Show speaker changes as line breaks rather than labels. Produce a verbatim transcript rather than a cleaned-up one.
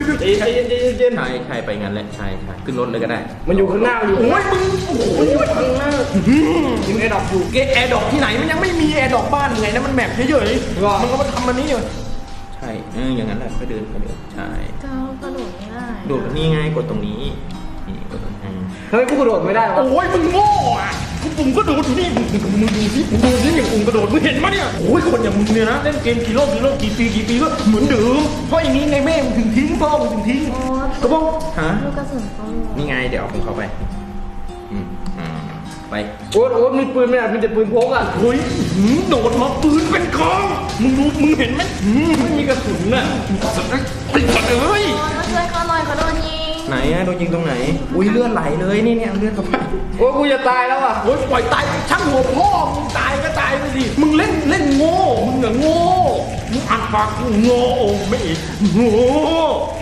ใจเย็นใจเย็นใจเย็น
ใช่ใช่ไปงั้นแหละใช่ใช่ขึ้นรถเลยก็ได้
มันอยู่ข้างหน้าอยู่
โอ้ยมึงโอ้ยข้างหน้า
ยิงแอร์ดรอปอยู่
เกแอร์ดอกที่ไหนมันยังไม่มีแอร์ดอกบ้านไงนะมันแมปเฉยๆมันก็มาทำมันนี้อยู่ใช่เอออย่างนั้นแหละก็เดินไปเดินใช่
เจ้ากระโดดไม่ได้
โดดนี่ไงกดตรงนี้นี่กดตรงนี้
เฮ้ยกูกระโดดไม่ได้วะ
โอ้ยมึงโง่อ่ะกูปุ่มก็โดดอยู่นี่มึงมึงดูสิมึงดูสิอย่างปุ่มกระโดดมึงเห็นมั้ยเนี่ยโอ้ยคนอย่างมึงเนี่ยนะเล่นเกมกี่โลกกี่โลกกี่ปีกี่ปีก็เหมือนเดิมเพราะอย่างนี้ไงแม่มึงถึงทิ้งพ่อมึงถึงทิ้ง
โอ้
กระบอกฮะ
ลูกกระสุนเขา
นี่ไงเดี๋ยวผมเข้าไปอืมอืมไป
โอ๊ตโอ๊ตมีปืนไหมอ่ะมีแต่ปืนพกอ่ะ
เฮ้ยหืมโดดมาปืนเป็นกองมึงดูมึงเห็นไหมหืม
ไม่มีกระสุนอ่ะ
สัตว์เอ้ยไอ้สัตว์เอ้ย
มาช่วยเขาหน่อยเขาโดนยิง
ไหนอะโดนยิงตรงไหนอุ้ยเลือดไหลเลยนี่เนี่ยเลือดเข้าไป
โอ๊ตกูจะตายแล้วอ่ะ
โอ้ยปล่อยตายช่างหัวพ่อมึงตายก็ตายไปสิมึงเล่นเล่นโง่มึงอะโง่มึงอัดปากกูโง่โอ้ไม่อีกโง่